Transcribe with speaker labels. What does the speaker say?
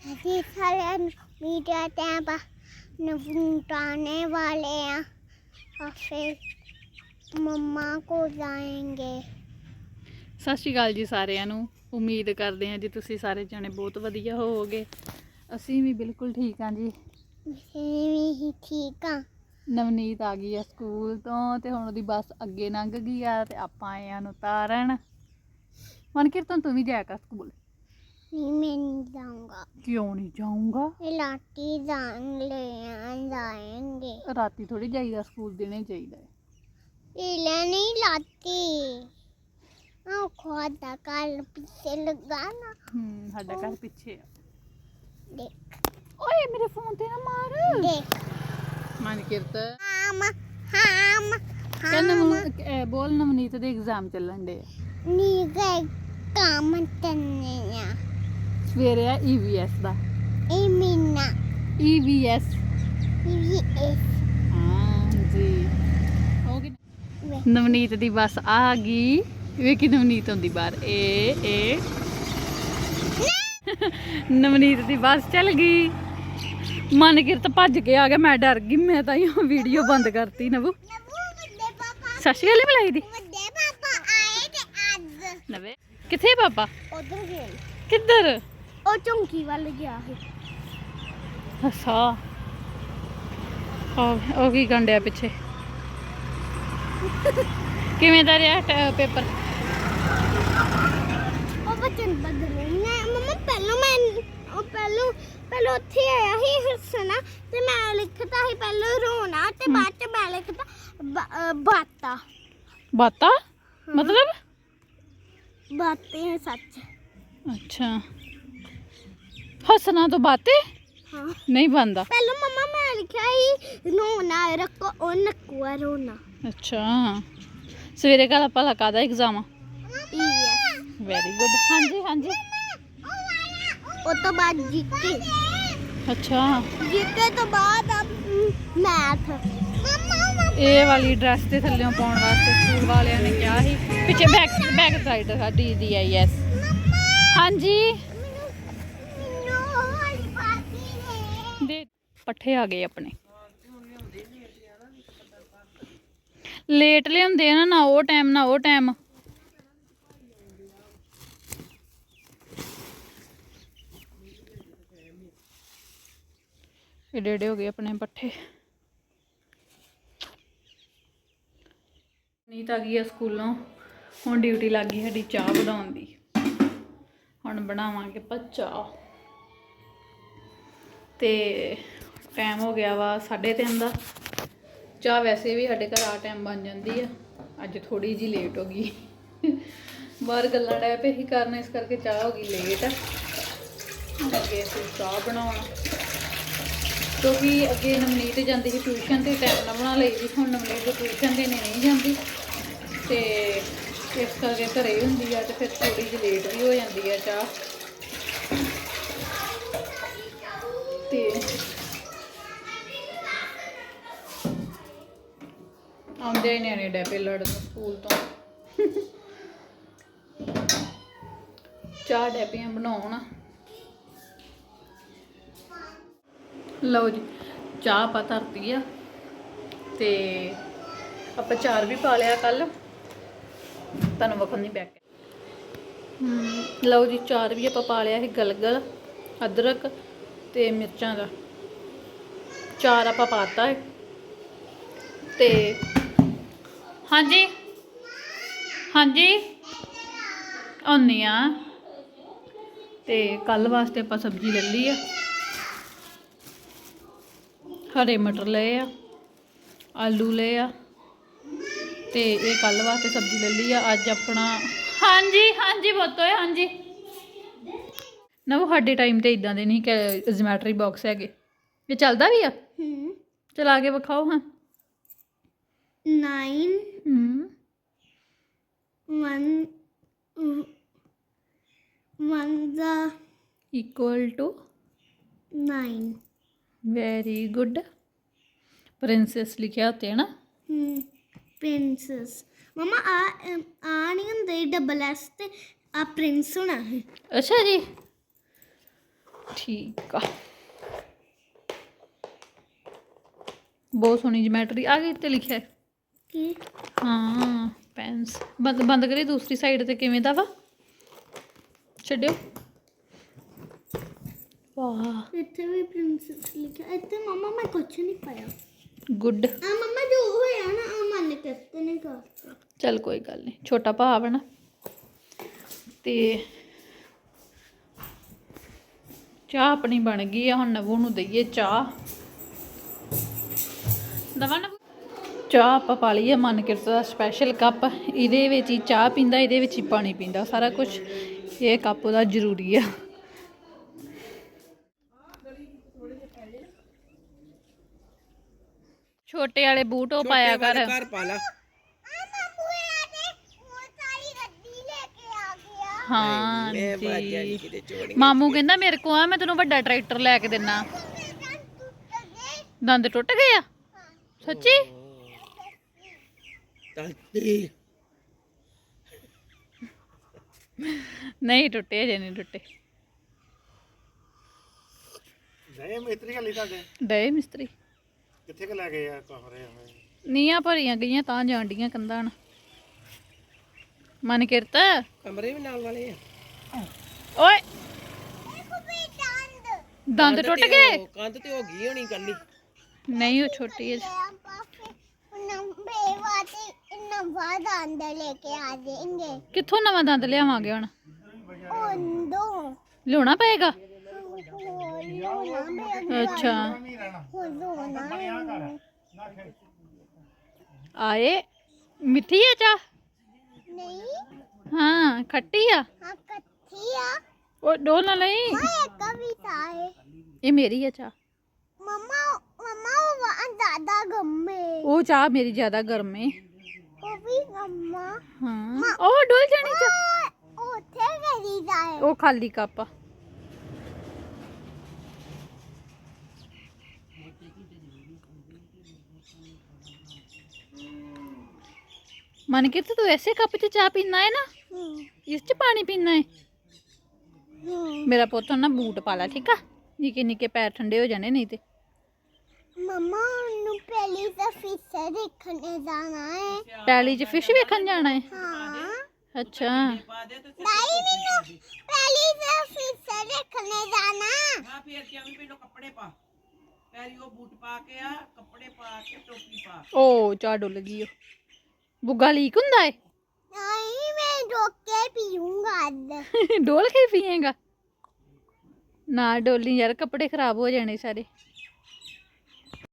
Speaker 1: अभी सारे media tab नवुटाने वाले हैं और फिर मम्मा को जाएंगे।
Speaker 2: ਸਤਿ ਸ਼੍ਰੀ ਅਕਾਲ ਜੀ ਸਾਰਿਆਂ ਨੂੰ। ਉਮੀਦ ਕਰਦੇ ਹਾਂ ਜੀ ਤੁਸੀਂ ਸਾਰੇ ਜਣੇ ਬਹੁਤ ਵਧੀਆ ਹੋਵੋਗੇ। ਅਸੀਂ ਵੀ ਬਿਲਕੁਲ ਠੀਕ ਹਾਂ ਜੀ।
Speaker 1: ही ठीक हाँ।
Speaker 2: ਨਵਨੀਤ ਆ ਗਈ ਆ ਸਕੂਲ ਤੋਂ ਤੇ ਹੁਣ ਉਹਦੀ ਬੱਸ ਅੱਗੇ ਲੰਘ ਗਈ ਆ ਤੇ ਆਪਾਂ ਆਏ ਆ ਨੂੰ ਤਾਰਨ। ਮਨਕੀਰਤਨ ਤੂੰ ਵੀ ਜਾਇਆ ਕਰ ਸਕੂਲ।
Speaker 1: नहीं मैं नहीं जाऊंगा।
Speaker 2: क्यों नहीं जाऊंगा?
Speaker 1: लाटी जाएंगे।
Speaker 2: राती थोड़ी जाइदा स्कूल देने चाहिए।
Speaker 1: इले नहीं लाती खोदा कल पीछे लगाना।
Speaker 2: साडा घर पीछे
Speaker 1: देख
Speaker 2: ओए मेरे फोन ते ना मार।
Speaker 1: देख
Speaker 2: मनकीरत
Speaker 1: हम हम
Speaker 2: कहना बोल नवनीत दे एग्जाम चलन दे
Speaker 1: नहीं गए काम करने
Speaker 2: सवेरे है ईवीएस दा
Speaker 1: मीना
Speaker 2: ईवीएस हाँ जी हो गई। नवनीत दी बस आ गई। वेखी नवनीत आंदी बाहर ए नवनीत दी बस चल गई। मनकीरत भज के आ गया। मैं डर गई। मैं तो वीडियो बंद करती। नवू सत श्री अकाल बुलाई दी नवे किथे पापा
Speaker 1: उधर गए
Speaker 2: किधर
Speaker 1: और चौंकी वाले गया है।
Speaker 2: अच्छा ओ की गंढिया पिछे किवें दा रहा पेपर?
Speaker 1: ਉਹ ਬਚਨ ਬਦਲੇ ਮੈਂ ਮਮਾ ਪਹਿਲਾਂ ਉੱਥੇ ਆਇਆ ਸੀ ਹੱਸਣਾ ਤੇ ਮੈਂ ਲਿਖਤਾ ਸੀ ਪਹਿਲਾਂ ਰੋਣਾ ਤੇ ਬਾਅਦ ਚ ਮੈਂ ਲਿਖਤਾ ਬਾਤਾਂ।
Speaker 2: बाता मतलब
Speaker 1: ਬਾतें सच।
Speaker 2: अच्छा हसना तो बातें
Speaker 1: हाँ
Speaker 2: नहीं बनता।
Speaker 1: ਪਹਿਲਾਂ ਮਮਾ ਮੈਂ ਲਿਖਿਆ ਸੀ ਰੋਣਾ ਰੱਖੋ ਉਹ ਨਕੂਆ ਰੋਣਾ।
Speaker 2: अच्छा सवेरे का भला कादा एग्जाम?
Speaker 1: EVS
Speaker 2: very good. हाँ जी हाँ जी।
Speaker 1: ਉਹ ਤੋਂ ਬਾਅਦ ਜੀਕੇ
Speaker 2: अच्छा
Speaker 1: ਜੀਕੇ ਤੋਂ ਬਾਅਦ ਮੈਥ।
Speaker 2: ਇਹ ਵਾਲੀ ਡਰੈਸ ਤੇ ਥੱਲੇੋਂ ਪਾਉਣ ਵਾਸਤੇ ਸਕੂਲ ਵਾਲਿਆਂ ਨੇ ਕਿਹਾ ਸੀ। ਪਿੱਛੇ ਬੈਕ ਸਾਈਡ ਸਾਡੀ ਦੀ ਆਈ ਐਸ। ਹਾਂਜੀ ਦੇ ਪੱਠੇ ਆ ਗਏ ਆਪਣੇ। ਲੇਟ ਲਿਆਉਂਦੇ ਆ ਨਾ ਉਹ ਟਾਈਮ ਨਾ ਉਹ ਟਾਈਮ। ਏਡੇ ਏਡੇ ਹੋ ਗਏ ਆਪਣੇ ਪੱਠੇ। ਨੀਤ ਆ ਗਈ ਆ ਸਕੂਲੋਂ। ਹੁਣ ਡਿਊਟੀ ਲੱਗ ਗਈ ਸਾਡੀ ਚਾਹ ਬਣਾਉਣ ਦੀ। ਹੁਣ ਬਣਾਵਾਂਗੇ ਆਪਾਂ ਚਾਹ ਤੇ ਟਾਈਮ ਹੋ ਗਿਆ ਵਾ 3:30 ਦਾ। ਚਾਹ ਵੈਸੇ ਵੀ ਸਾਡੇ ਘਰ ਆ ਟਾਈਮ ਬਣ ਜਾਂਦੀ ਆ। ਅੱਜ ਥੋੜੀ ਜੀ ਲੇਟ ਹੋ ਗਈ। ਬਾਹਰ ਗੱਲਾਂ ਡੈ ਪਏ ਹੀ ਕਰਨ ਇਸ ਕਰਕੇ ਚਾਹ ਹੋ ਗਈ ਲੇਟ। ਅੱਗੇ ਅਸੀਂ ਚਾਹ ਬਣਾਉਣ ਕਿਉਂਕਿ ਅੱਗੇ ਨਵਨੀਤ ਜਾਂਦੀ ਸੀ ਟਿਊਸ਼ਨ ਤੇ ਟਾਈਮ ਨਾਲ ਬਣਾ ਲਈ ਸੀ। ਹੁਣ ਨਵਨੀਤ ਟਿਊਸ਼ਨ ਤੇ ਨਹੀਂ ਜਾਂਦੀ ਤੇ ਇਸ ਕਰਕੇ ਘਰੇ ਹੁੰਦੀ ਆ ਤੇ ਫਿਰ ਥੋੜੀ ਜਿਹੀ ਲੇਟ ਵੀ ਹੋ ਜਾਂਦੀ ਆ ਚਾਹ। ਤੇ ਆਉਂਦੇ ਨਿਆਣੇ ਡੈਪੇ ਲੜਨ ਸਕੂਲ ਤੋਂ। ਚਾਹ ਡੈਪੀਆਂ ਬਣਾਉਣ। ਲਓ ਜੀ ਚਾਹ ਆਪਾਂ ਧਰਤੀ ਆ ਤੇ ਆਪਾਂ ਚਾਰ ਵੀ ਪਾ ਲਿਆ ਕੱਲ। ਤੁਹਾਨੂੰ ਵਖਣ ਨਹੀਂ ਬੈਕ। ਲਓ ਜੀ ਚਾਰ ਵੀ ਆਪਾਂ ਪਾ ਲਿਆ ਸੀ। ਗਲਗਲ ਅਦਰਕ ਤੇ ਮਿਰਚਾਂ ਦਾ ਚਾਰ ਆਪਾਂ ਪਾਤਾ ਹੈ ਤੇ ਹਾਂਜੀ ਹਾਂਜੀ ਆਉਂਦੀ ਆ। ਤੇ ਕੱਲ ਵਾਸਤੇ ਆਪਾਂ ਸਬਜ਼ੀ ਲੈ ਲਈ ਆ। हरे मटर ले आ, आलू ले आ ते ये कल वास्ते सब्जी ले ली। अज अपना हाँ जी बोतो है हाँ जी ना वो साडे टाइम तो इदा दे नहीं जोमैट्री बॉक्स है। ये चलता भी आ? चला के विखाओ। हाँ
Speaker 1: 9 1
Speaker 2: equal to
Speaker 1: 9।
Speaker 2: Very good. Princess लिखा होते है ना।
Speaker 1: प्रिंसेस मम्मा आ नहीं होंगे डबल एस ते आ प्रिंस होना है।
Speaker 2: अच्छा जी ਠੀਕ ਆ ਬਹੁਤ ਸੋਹਣੀ ਜਿਮੈਟਰੀ ਆ ਗਈ ਤੇ ਲਿਖਿਆ ਹੈ
Speaker 1: ਕੀ
Speaker 2: ਹਾਂ ਪੈਨਸ ਬੰਦ ਕਰੀ ਦੂਸਰੀ ਸਾਈਡ ਤੇ ਕਿਵੇਂ ਦਾ ਵਾ ਛੱਡਿਓ ਵਾਹ
Speaker 1: ਇੱਥੇ ਵੀ ਪ੍ਰਿੰਸੈਸ ਲਿਖਿਆ ਇੱਥੇ ਮਮਾ ਮੈਂ ਕੁਛ ਨਹੀਂ ਪਾਇਆ
Speaker 2: ਗੁੱਡ
Speaker 1: ਆ ਮਮਾ ਜੋ ਹੋਇਆ ਨਾ ਆ ਮੰਨ ਕੇ ਨਹੀਂ ਕਰਤਾ
Speaker 2: ਚੱਲ ਕੋਈ ਗੱਲ ਨਹੀਂ ਛੋਟਾ ਭਾ ਵਾ ਨਾ ਤੇ ਚਾਹ ਆਪਣੀ ਬਣ ਗਈ ਆ ਹੁਣ ਨਵੂ ਨੂੰ ਦਈਏ ਚਾਹ ਦਵਾ ਨਵੂ ਚਾਹ ਆਪਾਂ ਪਾ ਲਈ ਆ ਮਨ ਕਿਰਤ ਦਾ ਸਪੈਸ਼ਲ ਕੱਪ ਇਹਦੇ ਵਿੱਚ ਹੀ ਚਾਹ ਪੀਂਦਾ ਇਹਦੇ ਵਿੱਚ ਹੀ ਪਾਣੀ ਪੀਂਦਾ ਸਾਰਾ ਕੁਝ ਇਹ ਕੱਪ ਉਹਦਾ ਜ਼ਰੂਰੀ ਆ ਛੋਟੇ ਵਾਲੇ ਬੂਟ ਉਹ ਪਾਇਆ ਕਰ
Speaker 3: ਘਰ ਪਾ ਲਾ
Speaker 2: ਹਾਂ
Speaker 3: ਇਹ ਬਾਜਾ
Speaker 2: ਜੀ
Speaker 3: ਕਿਤੇ ਚੋੜੀ
Speaker 2: ਮਾਮੂ ਕਹਿੰਦਾ ਮੇਰੇ ਕੋ ਆ ਮੈਂ ਤੈਨੂੰ ਵੱਡਾ ਟਰੈਕਟਰ ਲੈ ਕੇ ਦਿੰਨਾ ਦੰਦ ਟੁੱਟ ਗਏ ਆ ਸੱਚੀ
Speaker 3: ਤਲਤੀ
Speaker 2: ਨਹੀਂ ਟੁੱਟੇ ਅਜੇ ਨਹੀਂ ਟੁੱਟੇ
Speaker 4: ਨਹੀਂ ਮਿਸਤਰੀ ਹਲੀ ਤੁਹਾਡੇ
Speaker 2: ਡਏ ਮਿਸਤਰੀ
Speaker 4: ਕਿੱਥੇ ਕਿ ਲੈ ਗਏ ਆ ਕਮਰੇ
Speaker 2: ਨੀਆਂ ਭਰੀਆਂ ਗਈਆਂ ਤਾਂ ਜਾਣ ਡੀਆਂ ਕੰਧਾਂ ਨਾਲ ਮਨ ਕਿਰਤ
Speaker 3: ਕਮਰੇ ਵੀ ਨਾਲ ਵਾਲੇ ਆ
Speaker 2: ਓਏ ਦੰਦ ਟੁੱਟ ਗਏ
Speaker 3: ਕੰਧ ਤੇ ਹੋ ਗਈ ਹੋਣੀ ਕੱਲੀ
Speaker 2: ਨਹੀਂ ਉਹ ਛੋਟੀ ਹੈ ਕਿੱਥੋਂ ਨਵਾਂ ਦੰਦ ਲਿਆਵਾਂਗੇ ਹੁਣ ਲਿਆਉਣਾ ਪਏਗਾ ਅੱਛਾ ਆਏ ਮਿੱਠੀ ਹੈ ਚਾਹ ਹਾਂ ਖੱਟੀ ਆ ਉਹ ਡੋਲ ਨਾ ਲਈ ਇਹ ਮੇਰੀ ਹੈ ਚਾਹ ਉਹ ਚਾਹ ਮੇਰੀ ਜ਼ਿਆਦਾ ਗਰਮ ਹੈ ਹਾਂ ਉਹ ਡੋਲ ਜਾਣੀ ਚਾਹ ਉਹ ਖਾਲੀ ਕੱਪ ਆ मन के तो ऐसे कप च चाह पीना है ना इस च पानी पीना है मेरा पुत ना बूट पा ला ठीक है निके निके पैर ठंडे हो जाने नहीं ते
Speaker 1: मम्मा नु पहली तो फिश देखने जाना है
Speaker 2: पैली च फिश वेखन जाना है
Speaker 1: हाँ
Speaker 2: अच्छा
Speaker 1: नहीं मीनू पहली तो फिश देखने जाना
Speaker 3: ਹਾਂ ਫੇਰ ਕਿ ਆਵੀਂ ਮੈਨੂੰ ਕੱਪੜੇ ਪਾ ਪੈਰੀ ਉਹ ਬੂਟ ਪਾ ਕੇ ਆ ਕੱਪੜੇ ਪਾ ਕੇ ਟੋਪੀ ਪਾ
Speaker 2: ओ चाह डुल गई ओ बुग्गा लीक हुंदा है
Speaker 1: नहीं मैं रोक के पीऊंगा आज
Speaker 2: डोल के पिएगा ना डोली यार कपड़े खराब हो जाने सारे